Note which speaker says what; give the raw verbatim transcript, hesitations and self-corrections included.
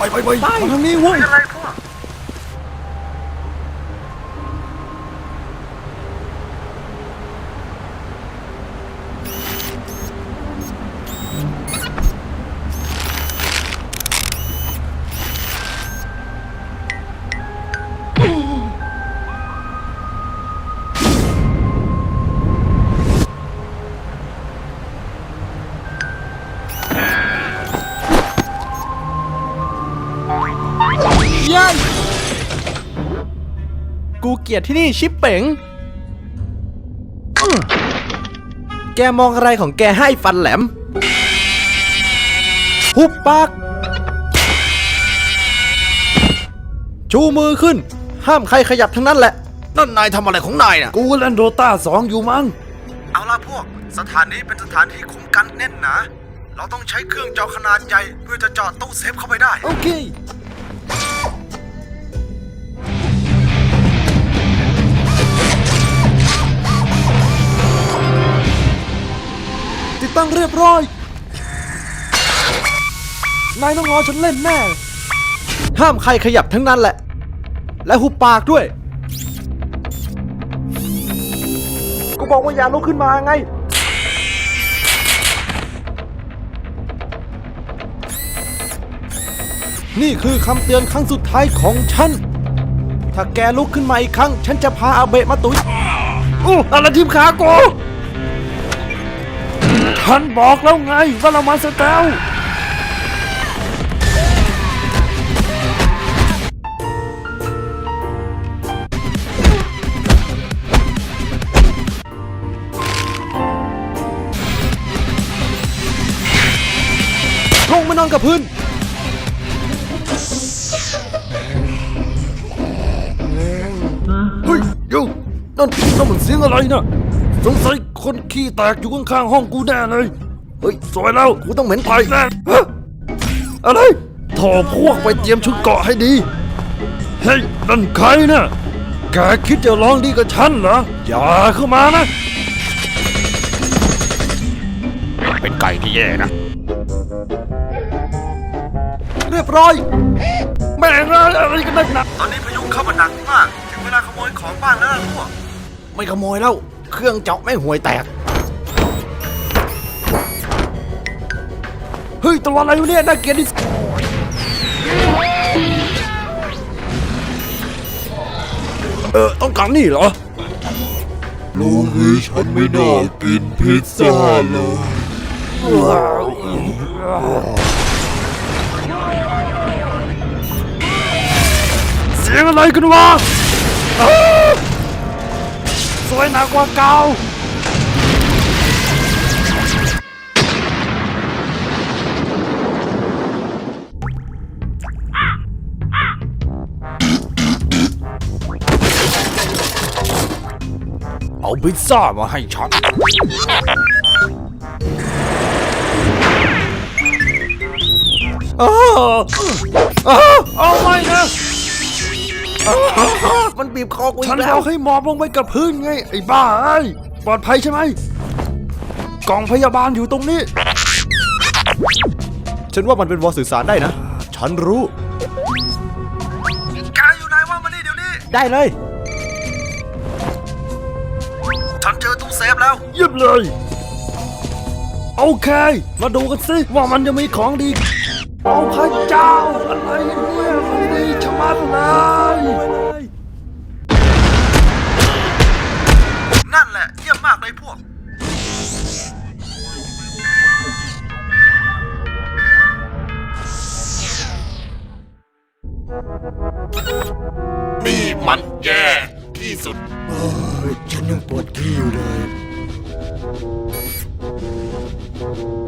Speaker 1: ไปไปไปมาทางนี้เว้ยอะไรพวกกูเกลียดที่นี่ชิปเป๋งแกมองอะไรของแกให้ฟันแหลมหุบปากชูมือขึ้นห้ามใครขยับทั้งนั้นแหละนั่นนายทำอะไรของนายน่ะกูเล่นโดต้าสองอยู่มั้งเอาล่ะพวกสถานนี้เป็นสถานที่คุ้มกันแน่นหนาเราต้องใช้เครื่องเจาะขนาดใหญ่เพื่อจะเจาะตู้เซฟเข้าไปได้โอเคติดตั้งเรียบร้อยนายต้องรอฉันเล่นแน่ห้ามใครขยับทั้งนั้นแหละและหุบปากด้วยกูบอกว่าอย่าลุกขึ้นมาไงนี่คือคำเตือนครั้งสุดท้ายของฉันถ้าแกลุกขึ้นมาอีกครั้งฉันจะพาอาเบะมาตุ๋ยอู้อะไรทีมขากูฉันบอกแล้วไงว่าเรามาสเตลลงมานอนกับพื้นเฮ้ยเดี๋ยวนั่นนั่นมันเสียงอะไรนะสงสัยคนขี้แตกอยู่ข้างๆห้องกูแน่เลยเฮ้ยสวยแล้วกูต้องเหม็นไผ่แน่ฮะอะไรโถพวกไปเตรียมชุดเกาะให้ดีเฮ้ยนั่นใครนะแกคิดจะลองดีกับฉันเหรออย่าเข้ามานะ
Speaker 2: เป็นไก่ที่แย่นะ
Speaker 1: เรียบร้อยแม่งอะไรกันนักหนาตอนนี้พายุเข้ามาหนักมากถึงเวลาขโมยของบ้านแล้วพวกไม่ขโมยแล้วเครื่องเจาะไม่ห่วยแตกเฮ้ยตัวอะไรอยู่เนี่ยน่าเกลียดดิเออต้องการนี่เหรอ
Speaker 3: ลุงเอ้ยฉันไม่น่ากินพิซซ่าเลย
Speaker 1: เสียงอะไรกันวะสวยหนักกว่าเก่า
Speaker 2: เอาพิซซ่ามาให้ฉัน
Speaker 1: อ้าวเอาไม่นะมันบีบคอกูอีกแล้วฉันบอกให้หมอบลงไปกับพื้นไงไอ้บ้าไอ้ปลอดภัยใช่ไหมกล่องพยาบาลอยู่ตรงนี้ฉันว่ามันเป็นวอลสื่อสารได้นะฉันรู้แกอยู่ไหนวะมานี่เดี๋ยวนี้ได้เลยฉันเจอตู้เซฟแล้วเยี่ยมเลยโอเคมาดูกันสิว่ามันจะมีของดีโอ้พระเจ้าอะไรเนี่ยมันดีชะมัดเลยนั่นแหละเยี่ยมมากเลยพวก
Speaker 3: นี่มันแย่ที่สุดฉันยังปวดขี้อยู่เลย